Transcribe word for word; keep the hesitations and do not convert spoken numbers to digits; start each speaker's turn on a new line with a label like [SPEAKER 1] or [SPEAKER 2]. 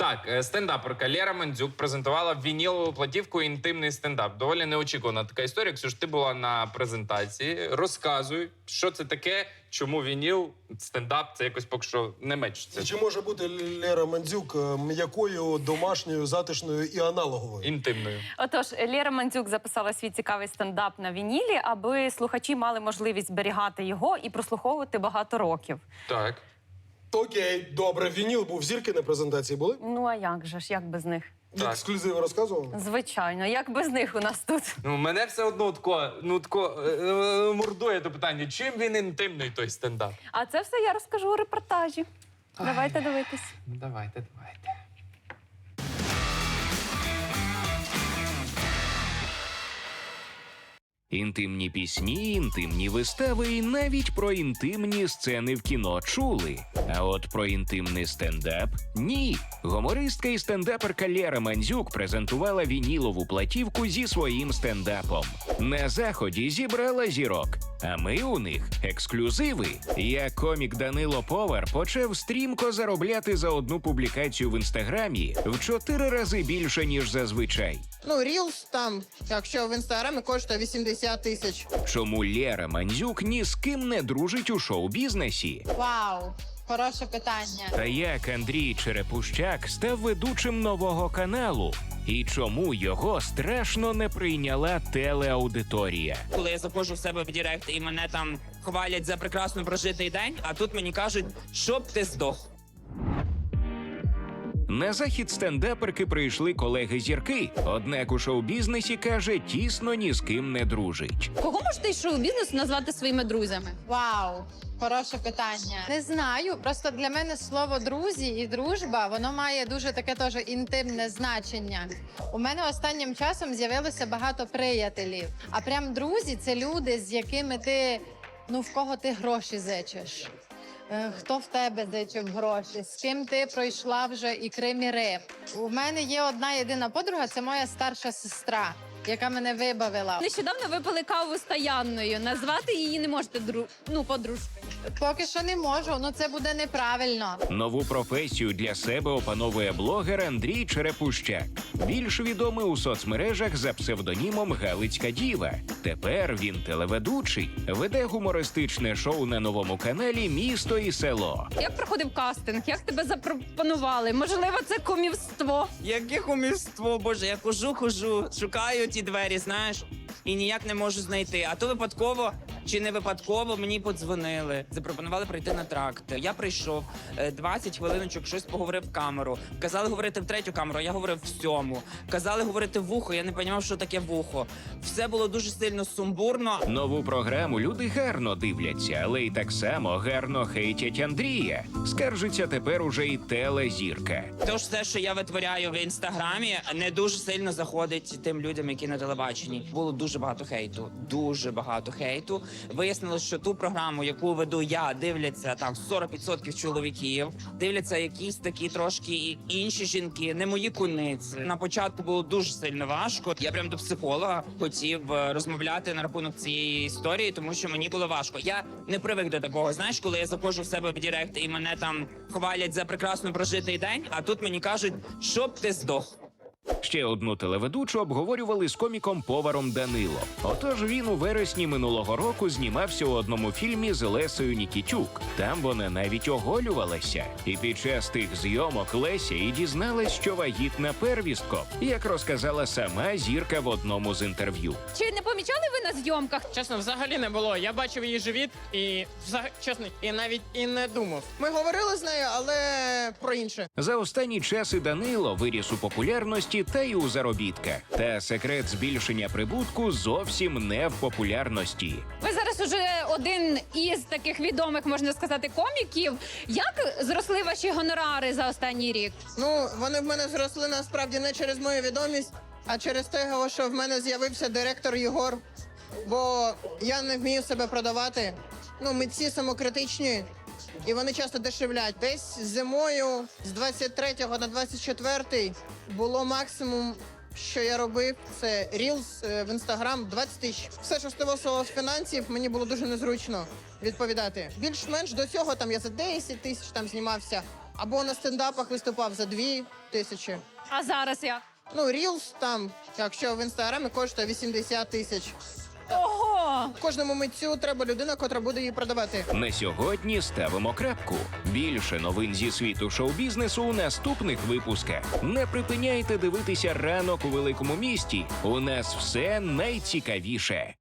[SPEAKER 1] Так, е, стендаперка Лера Мандзюк презентувала вінілову платівку «Інтимний стендап». Доволі неочікувана така історія. Ксюш, ти була на презентації. Розказуй, що це таке, чому вініл, стендап, це якось поки що не мечиться.
[SPEAKER 2] Чи може бути Лера Мандзюк м'якою, домашньою, затишною і аналоговою?
[SPEAKER 1] Інтимною.
[SPEAKER 3] Отож, Лера Мандзюк записала свій цікавий стендап на вінілі, аби слухачі мали можливість зберігати його і прослуховувати багато років.
[SPEAKER 1] Так.
[SPEAKER 2] Окей, добре. Вініл був, зірки на презентації були?
[SPEAKER 3] Ну а як же ж, як без них?
[SPEAKER 1] Так.
[SPEAKER 2] Ексклюзиви розказував?
[SPEAKER 3] Звичайно, як без них у нас тут?
[SPEAKER 1] Ну, мене все одно тако, ну, тако, е, е, мордує до питання, чим він інтимний, той стендап?
[SPEAKER 3] А це все я розкажу у репортажі. Давайте дивитись.
[SPEAKER 1] Ну, давайте, давайте.
[SPEAKER 4] Інтимні пісні, інтимні вистави і навіть про інтимні сцени в кіно чули. А от про інтимний стендап – ні. Гумористка і стендаперка Лера Мандзюк презентувала вінілову платівку зі своїм стендапом. На заході зібрала зірок, а ми у них ексклюзиви. Як комік Данило Повар почав стрімко заробляти за одну публікацію в інстаграмі в чотири рази більше, ніж зазвичай.
[SPEAKER 5] Ну, Рілс там, якщо в інстаграмі, коштує вісімдесят тисяч.
[SPEAKER 4] Чому Лера Мандзюк ні з ким не дружить у шоу-бізнесі?
[SPEAKER 6] Вау, хороше питання.
[SPEAKER 4] Та як Андрій Черепущак став ведучим нового каналу? І чому його страшно не прийняла телеаудиторія?
[SPEAKER 7] Коли я заходжу в себе в Директ і мене там хвалять за прекрасно прожитий день, а тут мені кажуть, щоб ти здох.
[SPEAKER 4] На захід стендаперки прийшли колеги-зірки, однак у шоу-бізнесі, каже, тісно ні з ким не дружить.
[SPEAKER 6] Кого можете із шоу-бізнесу назвати своїми друзями?
[SPEAKER 8] Вау, хороше питання. Не знаю, просто для мене слово друзі і дружба, воно має дуже таке теж інтимне значення. У мене останнім часом з'явилося багато приятелів. А прям друзі це люди, з якими ти, ну в кого ти гроші зичиш. Е, Хто в тебе зичив гроші, з ким ти пройшла вже і Крим, і Рим. У мене є одна єдина подруга, це моя старша сестра, яка мене вибавила.
[SPEAKER 6] Нещодавно випили каву з Таянною. Назвати її не можете дру... ну, подружкою.
[SPEAKER 8] Поки що не можу, ну це буде неправильно.
[SPEAKER 4] Нову професію для себе опановує блогер Андрій Черепущак. Більш відомий у соцмережах за псевдонімом Галицька Діва. Тепер він телеведучий, веде гумористичне шоу на новому каналі «Місто і село».
[SPEAKER 6] Як проходив кастинг? Як тебе запропонували? Можливо, це кумівство?
[SPEAKER 7] Яке кумівство, боже, я хожу, хожу, шукаю ті двері, знаєш, і ніяк не можу знайти. А то випадково чи не випадково мені подзвонили, запропонували прийти на тракт. Я прийшов, е, двадцять хвилиночок щось поговорив в камеру. Казали говорити в третю камеру, я говорив в сьому. Казали говорити в вухо, я не розумів, що таке вухо. Все було дуже сильно сумбурно.
[SPEAKER 4] Нову програму люди гарно дивляться, але й так само гарно хейтять Андрія. Скаржиться тепер уже і телезірка.
[SPEAKER 7] Тож все, що я витворяю в інстаграмі, не дуже сильно заходить тим людям, які на телебаченні. Було дуже багато хейту, дуже багато хейту. Вияснилось, що ту програму, яку веду я, дивляться там сорок відсотків чоловіків, дивляться якісь такі трошки і інші жінки, не мої куниці. На початку було дуже сильно важко. Я прям до психолога хотів е, розмовляти на рахунок цієї історії, тому що мені було важко. Я не привик до такого. Знаєш, коли я заходжу в себе в Директ і мене там хвалять за прекрасно прожитий день, а тут мені кажуть, щоб ти здох.
[SPEAKER 4] Ще одну телеведучу обговорювали з коміком Поваром Данило. Отож він у вересні минулого року знімався у одному фільмі з Лесею Нікітюк. Там вона навіть оголювалася. І під час тих зйомок Леся і дізналась, що вагітна первістком, як розказала сама зірка в одному з інтерв'ю.
[SPEAKER 6] Чи не помічали ви на зйомках?
[SPEAKER 9] Чесно, взагалі не було. Я бачив її живіт і взаг- чесно, і навіть і не думав.
[SPEAKER 5] Ми говорили з нею, але про інше.
[SPEAKER 4] За останні часи Данило виріс у популярності та й у заробітках. Та секрет збільшення прибутку зовсім не в популярності.
[SPEAKER 6] Ви зараз уже один із таких відомих, можна сказати, коміків. Як зросли ваші гонорари за останній рік?
[SPEAKER 5] Ну, вони в мене зросли насправді не через мою відомість, а через те, що в мене з'явився директор Єгор. Бо я не вмію себе продавати. Ну, митці самокритичні. І вони часто дешевлять. Десь зимою з двадцять третього на двадцять четвертий було максимум, що я робив, це Reels в Instagram двадцять тисяч. Все, що стосувалося фінансів, мені було дуже незручно відповідати. Більш-менш до цього там я за десять тисяч там знімався. Або на стендапах виступав за дві тисячі.
[SPEAKER 6] А зараз як?
[SPEAKER 5] Ну, Reels там, якщо в інстаграмі коштує вісімдесят тисяч.
[SPEAKER 6] Ого!
[SPEAKER 5] Кожному митцю треба людина, котра буде її продавати.
[SPEAKER 4] На сьогодні ставимо крапку. Більше новин зі світу шоу-бізнесу у наступних випусках. Не припиняйте дивитися ранок у великому місті. У нас все найцікавіше.